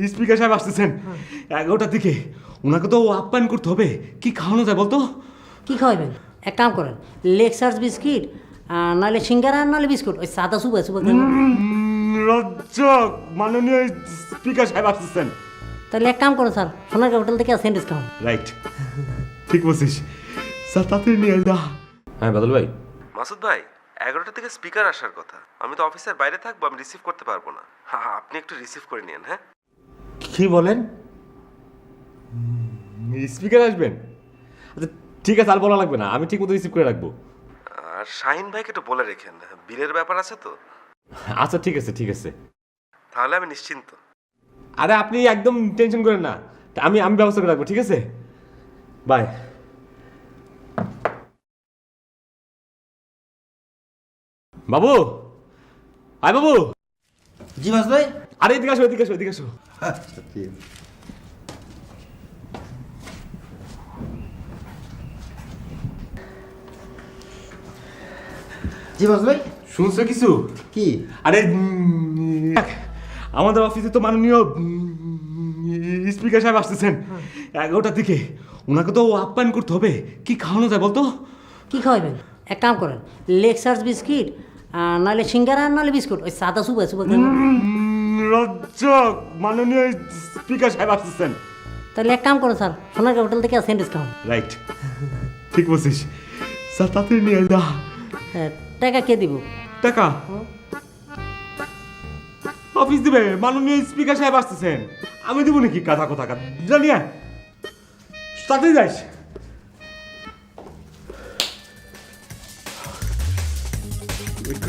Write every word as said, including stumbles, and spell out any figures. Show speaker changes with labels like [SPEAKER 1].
[SPEAKER 1] Speaker সাহেব আসতেছেন এগারোটার দিকে। ওনাকে তো আপ্যায়ন করতে হবে। কি খাওয়ানো যায় বলতো?
[SPEAKER 2] কি খাওয়াবেন? এক কাম করেন, লেক্সার্স বিস্কিট নাহলে সিঙ্গারা নাহলে বিস্কুট, ওই সাদা সুবা সুবা।
[SPEAKER 1] রজ্জক, মাননীয় স্পিকার সাহেব আসতেছেন।
[SPEAKER 2] তাহলে এক কাম করুন স্যার, সোনারগাঁ হোটেল থেকে স্যান্ডউইচ খাওয়ান।
[SPEAKER 1] রাইট, ঠিক বলছিস স্যার, তাড়াতাড়ি নিয়ে আয় না।
[SPEAKER 3] হ্যাঁ বাদল ভাই।
[SPEAKER 4] মাসুদ ভাই, এগারোটা থেকে স্পিকার আসার কথা। আমি তো অফিসের বাইরে থাকবো, আমি রিসিভ করতে পারবো না। হ্যাঁ হ্যাঁ, আপনি একটু রিসিভ করে নিন। হ্যাঁ,
[SPEAKER 1] কি বলেন? স্পিকার আসবেন? আচ্ছা ঠিক আছে, আর বলা লাগবে না, আমি ঠিক মতো রিসিভ করে রাখবো।
[SPEAKER 4] আর শাহিন ভাইকে একটু বলে রেখেন, বিলের ব্যাপার আছে তো।
[SPEAKER 1] আচ্ছা ঠিক আছে ঠিক আছে।
[SPEAKER 4] তাহলে আমি নিশ্চিন্ত।
[SPEAKER 1] আরে আপনি একদম টেনশন করেন না, আমি আমি ব্যবস্থা করে রাখবো, ঠিক আছে? বাই। বাবু, আয় বাবু।
[SPEAKER 5] জি মাস ভাই।
[SPEAKER 1] আরে এদিকে আসো, এদিকে আসো, এদিকে আসো।
[SPEAKER 5] আচ্ছা ঠিক আছে। জি মাস ভাই।
[SPEAKER 1] শুনছো কিছু?
[SPEAKER 5] কি?
[SPEAKER 1] আরে উম, আমাদের অফিসে তো মাননীয় স্পিকার সাহেব আসতেছেন এগারোটার দিকে। ওনাকে তো আপ্যায়ন করতে হবে। কি খাওয়ানো যায় বলতো?
[SPEAKER 2] কি খাওয়াবেন? এক কাম করেন, লেক্সার্স বিস্কিট নাহলে সিঙ্গারা নাহলে বিস্কুট, ওই সাদা সুবা সুবা।
[SPEAKER 1] রজ্জক, মাননীয় স্পিকার সাহেব আসতেছেন।
[SPEAKER 2] তাহলে এক কাম করুন স্যার, সোনারগাঁ হোটেল থেকে স্যান্ডউইচ খাওয়ান।
[SPEAKER 1] রাইট, ঠিক বলছিস স্যার, তাড়াতাড়ি নিয়ে আয় না।
[SPEAKER 2] হ্যাঁ, টাকা কে দিব?
[SPEAKER 1] টাকা অফিস দিবে, মাননীয় স্পিকার সাহেব আসতেছেন। আমি দেবো নাকি? কাঁথা কোথা জানিয়া তাড়াতাড়ি যাইস।